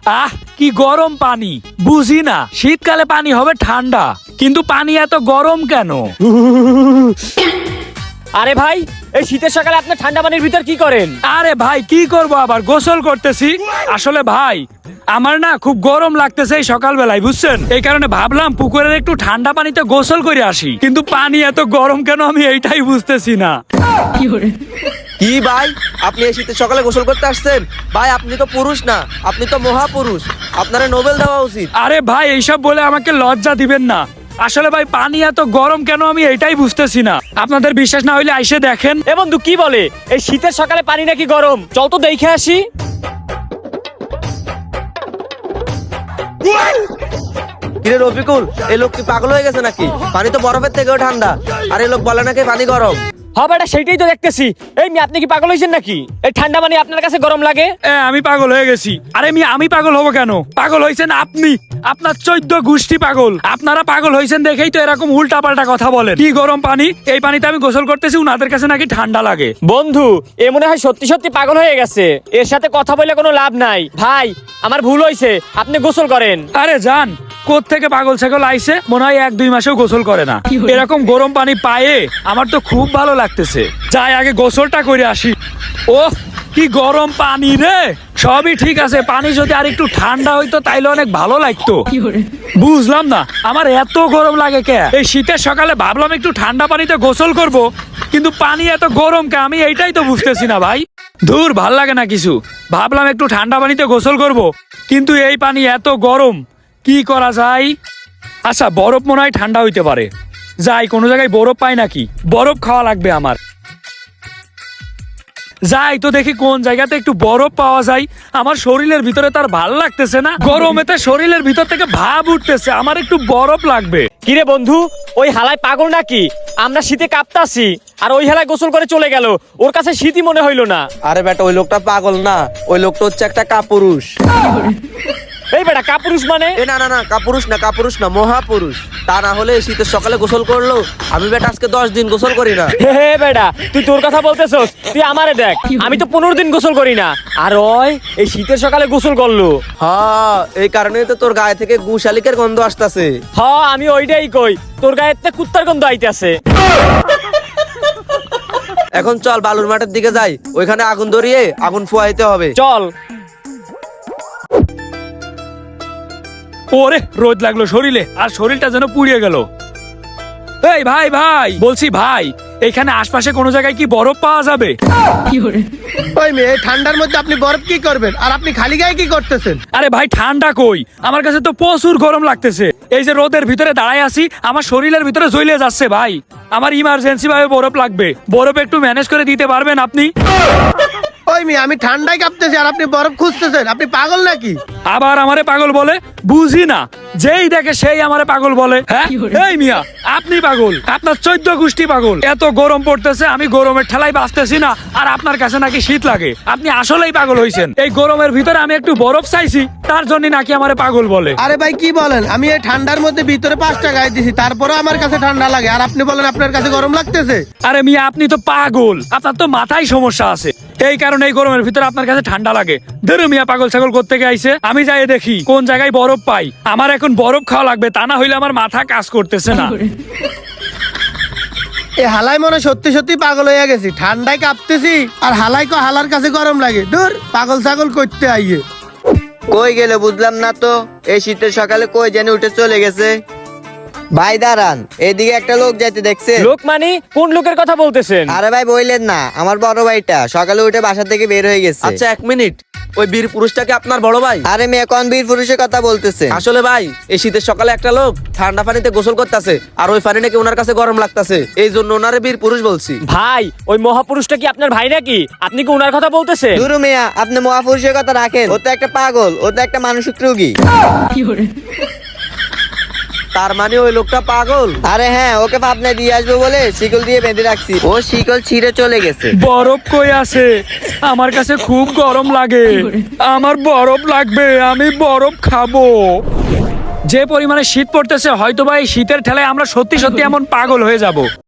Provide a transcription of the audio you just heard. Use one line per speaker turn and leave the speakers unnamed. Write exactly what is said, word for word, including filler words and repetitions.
আহ কি গরম পানি, বুঝি না শীতকালে পানি হবে ঠান্ডা, কিন্তু পানি এত গরম কেন?
আরে ভাই, এই শীতের সকালে আপনি ঠান্ডা পানির ভিতর কি করেন?
আরে ভাই কি করব, আবার গোসল করতেছি। আসলে ভাই আমার না খুব গরম লাগতেছে এই সকালবেলায়, বুঝছেন? এই কারণে ভাবলাম পুকুরের একটু ঠান্ডা পানিতে গোসল করে আসি, কিন্তু পানি এত গরম কেন আমি এইটাই বুঝতেছি না।
কি ভাই, আপনি এই শীতের সকালে গোসল করতে আসছেন? ভাই আপনি তো পুরুষ না, আপনি তো মহাপুরুষ, আপনার নোবেল দেওয়া উচিত।
আরে ভাই এইসব বলে আমাকে লজ্জা দিবেন না। আসলে ভাই পানি এত গরম কেন আমি এটাই বুঝতেছি না। আপনাদের বিশ্বাস না হইলে আইসে দেখেন।
এ বন্ধু কি বলে, এই শীতের সকালে পানি নাকি গরম? চল তো দেখে আসি।
কিরে রফিকুল, এই লোক কি পাগল হয়ে গেছে নাকি? পানি তো বরফের থেকেও ঠান্ডা, আর এই লোক বলে নাকি পানি গরম।
হবে এটা, সেটাই তো দেখতেছি। এই মি, আপনি কি পাগল হয়েছেন নাকি? এই ঠান্ডা পানি আপনার কাছে গরম লাগে?
এ, আমি পাগল হয়ে গেছি। আরে মি আমি পাগল হব কেন? পাগল হয়েছেন আপনি, আপনার চোদ্দ গোষ্ঠী পাগল। আপনারা পাগল হয়েছেন দেখেই তো এরকম উল্টা পাল্টা কথা বলেন। কি গরম পানি, এই পানিতে আমি গোসল করতেছি, উনাদের কাছে নাকি ঠান্ডা লাগে।
বন্ধু, এ মনে হয় সত্যি সত্যি পাগল হয়ে গেছে। এর সাথে কথা বলে কোনো লাভ নাই। ভাই আমার ভুল হয়েছে, আপনি গোসল করেন।
আরে জান, কোত্থেকে পাগল ছাগল আইছে, মনে হয় এক দুই মাসেও গোসল করে না। এরকম গরম পানি পায়ে আমার তো খুব ভালো লাগতেছে। যাই আগে গোসলটা করে আসি। ও কি গরম পানি রে! সবই ঠিক আছে, পানি যদি আর একটু ঠান্ডা হইতো তাইলে অনেক ভালো লাগতো। বুঝলাম না আমার এত গরম লাগে কে? এই শীতের সকালে ভাবলাম একটু ঠান্ডা পানিতে গোসল করব, কিন্তু পানি এত গরম কে আমি এইটাই তো বুঝতেছি না ভাই। ধুর, ভাল লাগে না কিছু। ভাবলাম একটু ঠান্ডা পানিতে গোসল করব, কিন্তু এই পানি এত গরম, কি করা যায়? আচ্ছা বরফ মনে হয় ঠান্ডা হইতে পারে। যাই কোনো জায়গায় বরফ পাই নাকি, বরফ খাওয়া লাগবে আমার। যাই তো দেখি কোন জায়গাতে একটু বরফ পাওয়া যায়। আমার শরীরের ভিতরে তার ভাল লাগতেছে না, গরমেতে শরীরের ভিতর থেকে ভাব উঠতেছে, আমার একটু বরফ লাগবে।
কিরে বন্ধু, ওই হালায় পাগল নাকি? আমরা শীতে কাঁপতাছি আর ওই হালায় গোসল করে চলে গেল। ওর কাছে শীতই মনে হইলো না।
আরে বেটা, ওই লোকটা পাগল না, ওই লোকটা হচ্ছে একটা কাপুরুষ।
এই বেটা, কাপুরুষ মানে?
এ না না না, কাপুরুষ না, কাপুরুষ না, মহাপুরুষ। তা না হলে এই শীতের সকালে গোসল করলো। আমি বেটা আজকে দশ দিন গোসল করি না।
হে হে বেটা, তুই তোর কথা বলতেছস? তুই আমারে দেখ, আমি তো পনেরো দিন গোসল করি না। আর ওই এই শীতের সকালে গোসল করলো।
হ্যাঁ, এই কারণেই তো তোর গায়ে থেকে গু শালিকের গন্ধ আসতেছে।
হ, আমি ওইটাই কই, তোর গায়ে কুত্তার গন্ধ আইতাছে।
এখন চল বালুর মাঠের দিকে যাই, ওইখানে আগুন ধরিয়ে আগুন ফুয়াইতে হবে।
চল।
ওরে রোদ লাগলো শরীরে, আর শরীরটা যেন পুড়িয়ে গেল। এই ভাই ভাই বলছি ভাই, এখানে আশপাশে কোনো জায়গায় কি বরফ পাওয়া যাবে?
ওই মেয়ে, ঠান্ডার মধ্যে আপনি বরফ কি করবেন? আর আপনি খালি গায়ে কি করতেছেন?
আরে ভাই ঠান্ডা কই, আমার কাছে তো প্রচুর গরম লাগতেছে। এই যে রোদের ভিতরে দাঁড়ায় আছি, আমার শরীরের ভিতরে জ্বলে যাচ্ছে ভাই। আমার ইমার্জেন্সি ভাবে বরফ লাগবে, বরফ একটু ম্যানেজ করে দিতে পারবেন আপনি?
ওই মেয়ে, আমি ঠান্ডায় কাঁপতেছি আর আপনি বরফ খুঁজতেছেন? আপনি পাগল নাকি?
আবার আমারে পাগল বলে, বুঝি না, যেই দেখে সেই আমারে পাগল বলে। হ্যাঁ এই মিয়া, আপনি পাগল, আপনার চোদ্দ গোষ্ঠী পাগল। এত গরম পড়তেছে, আমি গরমের ঠেলায় বাঁচতেছি না, আর আপনার কাছে নাকি শীত লাগে। আপনি আসলেই পাগল হইছেন। এই গরমের ভিতরে আমি একটু বরফ চাইছি, তার জন্য নাকি আমারে পাগল বলে।
আরে ভাই কি বলেন? আমি এই ঠান্ডার মধ্যে ভিতরে পাঁচটা গায়ে দিছি, তারপরে আমার কাছে ঠান্ডা লাগে, আর আপনি বলেন আপনার কাছে গরম লাগতেছে?
আরে মিয়া আপনি তো পাগল, আপনার তো মাথায় সমস্যা আছে, এই কারণে এই গরমের ভিতরে আপনার কাছে ঠান্ডা লাগে। ধরো মিয়া, পাগল ছাগল কোত্থেকে আইছে? আমি যাই দেখি কোন জায়গায় বরফ পাই। আমার এখন বরফ খাওয়া লাগবে, তা না হইলে আমার মাথা কাজ করতেছে না।
এ হালাই মনে সত্যি সত্যি পাগল হয়ে গেছি, ঠান্ডায় কাঁপতেছি আর হালাই কো হালার কাছে গরম লাগে। দূর, পাগল ছাগল করতে আইয়ে।
কই গেলে বুঝলাম না তো, এই শীতের সকালে কই যেন উঠে চলে গেছে। ভাই দাঁড়ান, এদিকে একটা লোক যাইতে দেখছে।
লোক মানে কোন লোকের কথা বলতেছেন?
আরে ভাই বললেন না, আমার বড় ভাইটা সকালে উঠে বাসা থেকে বের হয়ে গেছে। আচ্ছা এক মিনিট, ওই বীর পুরুষটাকে আপনার বড় ভাই? আরে মেয়ে, কোন বীর পুরুষের কথা বলতেছে? আসলে ভাই, এই শীতের সকালে একটা লোক ঠান্ডা পানিতে গোসল করতেছে, আর ওই পানি নাকি ওনার কাছে গরম লাগতেছে, এই জন্য ওনারে বীর পুরুষ বলছি।
ভাই, ওই মহাপুরুষটা কি আপনার ভাই নাকি? আপনি কি ওনার কথা বলতেছেন?
দুরু মিয়া, আপনি মহাপুরুষের কথা রাখেন, ও তো একটা পাগল, ও তো একটা মানসিক রোগী। তার মানে ওই লোকটা পাগল? আরে হ্যাঁ, ওকে পাবনায় দিয়ে আসবো বলে শিকল দিয়ে বেঁধে রাখছি, ও শিকল ছিঁড়ে চলে গেছে।
বরফ কই আছে? আমার কাছে খুব গরম লাগে, আমার বরফ লাগবে, আমি বরফ খাবো। যে পরিমাণে শীত পড়তেছে, হয়তো বা এই শীতের ঠেলায় আমরা সত্যি সত্যি এমন পাগল হয়ে যাব।